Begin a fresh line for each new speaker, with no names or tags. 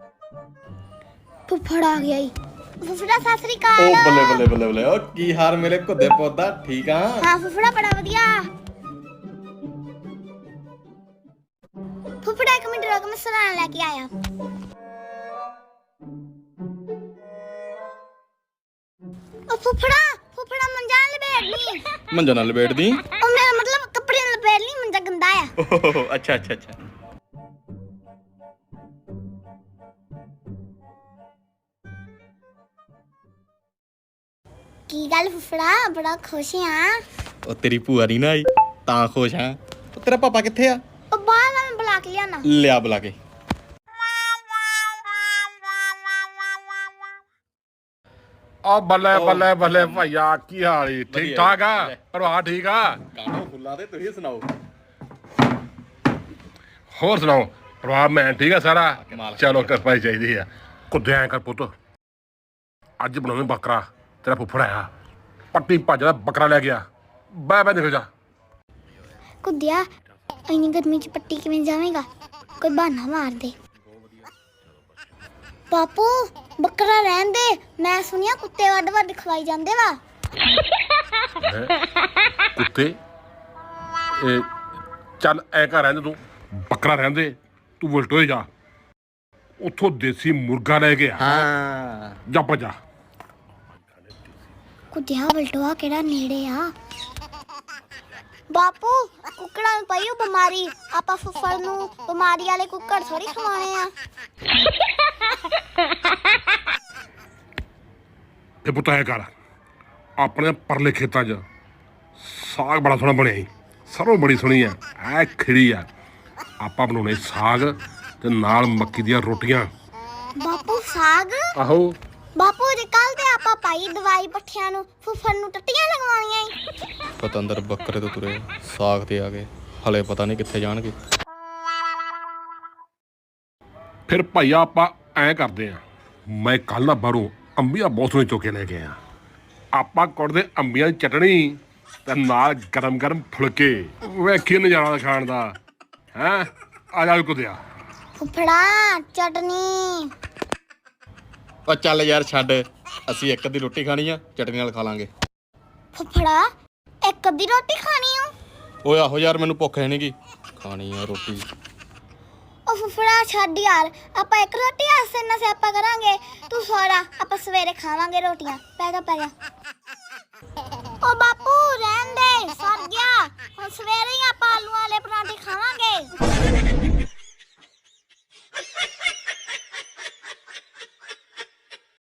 ਫੁੱਫੜ ਆ ਗਿਆ ਈ। ਫੁੱਫੜਾ ਸਤਿ ਸ੍ਰੀ ਅਕਾਲ।
ਓ ਬੱਲੇ ਬੱਲੇ ਬੱਲੇ ਬੱਲੇ, ਓ ਕੀ ਹਾਲ ਮੇਰੇ ਘੁੱਦੇ ਪੌਦਾ, ਠੀਕ ਆ?
ਹਾਂ ਫੁੱਫੜਾ ਬੜਾ ਵਧੀਆ। ਫੁੱਫੜਾ ਇੱਕ ਮਿੰਟ ਰੁਕ, ਮੈਂ ਸਰਾਣਾ ਲੈ ਕੇ ਆਇਆ। ਓ ਫੁੱਫੜਾ ਮੰਜਾ ਲਪੇਟ ਲਈ।
ਮੰਜਾ ਨਾਲ ਲਪੇਟਦੀ?
ਉਹ ਮੇਰਾ ਮਤਲਬ ਕੱਪੜੇ ਨਾਲ ਲਪੇਟ ਲਈ, ਮੰਜਾ ਗੰਦਾ ਆ।
ਓਹ ਅੱਛਾ ਅੱਛਾ ਅੱਛਾ।
ਕੀ ਗੱਲ ਫੁੱਫੜਾ, ਬੜਾ ਖੁਸ਼ ਆ?
ਉਹ ਤੇਰੀ ਭੂਆ ਨਹੀਂ ਨਾ ਆਈ ਤਾਂ ਖੁਸ਼ ਹਾਂ। ਉਹ ਤੇਰਾ ਪਾਪਾ ਕਿੱਥੇ ਆ?
ਉਹ ਬਾਹਰ ਮੈਂ ਬੁਲਾ ਕੇ ਲਿਆਣਾ।
ਲਿਆ ਬੁਲਾ ਕੇ।
ਆ ਬੱਲੇ ਬੱਲੇ ਬੱਲੇ ਭਾਈਆ, ਕੀ ਹਾਲ ਈ? ਠੀਕ ਠਾਕ ਆ? ਪਰਿਵਾਰ ਠੀਕ ਆ?
ਕਾਹਨੂੰ ਫੁੱਲਾਂ ਤੇ ਤੁਸੀਂ ਸੁਣਾਓ।
ਹੋਰ ਸੁਣਾਓ, ਪਰਿਵਾਰ ਮੈਂ ਠੀਕ ਆ ਸਾਰਾ?
ਕਮਾਲ।
ਚਲੋ ਕਿਰਪਾ ਹੀ ਚਾਹੀਦੀ ਆ। ਕੁੱਦੇ ਐਂ ਕਰ ਪੁੱਤ, ਅੱਜ ਬਣਾਵੇਂ ਬੱਕਰਾ। ਤੇਰਾ ਫੁੱਫੜ ਆਇਆ, ਪੱਟੀ ਭੱਜਦਾ ਬੱਕਰਾ ਲੈ ਗਿਆ। ਬੈ ਬੈ ਨਿਕਲ ਜਾ।
ਕੁੱਦਿਆ ਇੰਨੀ ਗਰਮੀ ਚ ਪੱਟੀ ਕਿਵੇਂ ਜਾਵੇਂਗਾ? ਕੋਈ ਬਹਾਨਾ ਮਾਰ ਦੇ। ਬਾਪੂ ਬੱਕਰਾ ਰਹਿਣ ਦੇ, ਮੈਂ ਸੁਣਿਆ ਕੁੱਤੇ ਵੱਡ ਵੱਡ ਖਵਾਈ ਜਾਂਦੇ ਵਾ।
ਕੁੱਤੇ ਇਹ ਚੱਲ ਐ ਘਰ ਰਹਿੰਦੇ, ਤੂੰ ਬੱਕਰਾ ਰਹਿੰਦੇ, ਤੂੰ ਉਲਟੋ ਜਾ ਉੱਥੋਂ ਦੇਸੀ ਮੁਰਗਾ ਲੈ ਕੇ ਆ।
ਹਾਂ
ਜਾ ਭੱਜਾ।
ਕੁੱਦਿਆ ਵਲਟੋਆ ਕਿਹੜਾ ਨੇੜੇ ਆ? ਬਾਪੂ ਕੁੱਕੜਾਂ ਨੂੰ ਪਈ ਓ ਬਿਮਾਰੀ, ਆਪਾਂ ਫੁੱਫੜ ਨੂੰ ਬਿਮਾਰੀ ਵਾਲੇ ਕੁੱਕੜ ਥੋੜੀ ਖਵਾਣੇ ਆ।
ਇਹ ਪੁੱਤ ਐ ਕਰ, ਆਪਣੇ ਪਰਲੇ ਖੇਤਾਂ 'ਚ ਸਾਗ ਬੜਾ ਸੋਹਣਾ ਬਣਿਆ ਸੀ, ਸਰੋਂ ਬੜੀ ਸੋਹਣੀ ਆ, ਐ ਖਿੜੀ ਆ। ਆਪਾਂ ਬਣਾਉਣੇ ਸਾਗ ਤੇ ਨਾਲ ਮੱਕੀ ਦੀਆਂ ਰੋਟੀਆਂ।
ਬਾਪੂ ਸਾਗ?
ਆਹੋ
ਬਾਪੂ ਜੀ ਕੱਲ ਤੇ ਆਪਾਂ ਪਾਈ ਦਵਾਈ ਪੱਠਿਆਂ ਨੂੰ, ਫੁੱਫੜ ਨੂੰ ਟੱਟੀਆਂ ਲਗਵਾਉਣੀਆਂ ਈ।
ਪਤੰਦਰ ਬੱਕਰੇ ਤੋਂ ਤੁਰੇ ਸਾਗ ਤੇ ਆ ਗਏ, ਹਲੇ ਪਤਾ ਨਹੀਂ ਕਿੱਥੇ ਜਾਣਗੇ।
ਫਿਰ ਭਾਈਆ ਆਪਾਂ ਐਂ ਕਰਦੇ ਆ, ਮੈਂ ਕੱਲ ਨਾ ਬਾਹਰੋਂ ਅੰਬੀਆਂ ਬਹੁਤ ਸੋਹਣੇ ਚੁੱਕ ਕੇ ਲੈ ਕੇ ਆਇਆ। ਆਪਾਂ ਕੁੱਟਦੇ ਅੰਬੀਆਂ ਦੀ ਚਟਣੀ ਤੇ ਨਾਲ ਗਰਮ ਗਰਮ ਫੁਲਕੇ। ਵੇਖੀ ਨਜ਼ਾਰਾ ਖਾਣ ਦਾ। ਹੈਂ ਆ ਜਾ ਕੁੱਦਿਆ।
ਫੁੱਫੜਾ ਚਟਨੀ।
ਉਹ ਚੱਲ ਯਾਰ ਛੱਡ, ਅਸੀਂ ਇੱਕ ਅੱਧੀ ਰੋਟੀ ਖਾਣੀ ਆ, ਚਟਨੀ ਨਾਲ ਖਾ ਲਾਂਗੇ।
ਫੁੱਫੜਾ ਇੱਕ ਅੱਧੀ ਰੋਟੀ ਖਾਣੀ ਓ?
ਓਏ ਆਹੋ ਯਾਰ, ਮੈਨੂੰ ਭੁੱਖ ਹੈ ਨੀ ਗੀ, ਖਾਣੀ ਆ ਰੋਟੀ।
ਉਹ ਫੁੱਫੜਾ ਛੱਡ ਯਾਰ, ਆਪਾਂ ਇੱਕ ਰੋਟੀ ਆਸੇ ਨਾ ਸਿਆਪਾ ਕਰਾਂਗੇ। ਤੂੰ ਸੋਰਾ, ਆਪਾਂ ਸਵੇਰੇ ਖਾਵਾਂਗੇ ਰੋਟੀਆਂ। ਪੈ ਜਾ। ਉਹ ਬਾਪੂ ਰਹਿਣ ਦੇ, ਸਰ ਗਿਆ। ਹੁਣ ਸਵੇਰੇ ਹੀ ਆਪਾਂ ਆਲੂ ਵਾਲੇ ਪਰਾਂਠੇ ਖਾਵਾਂਗੇ।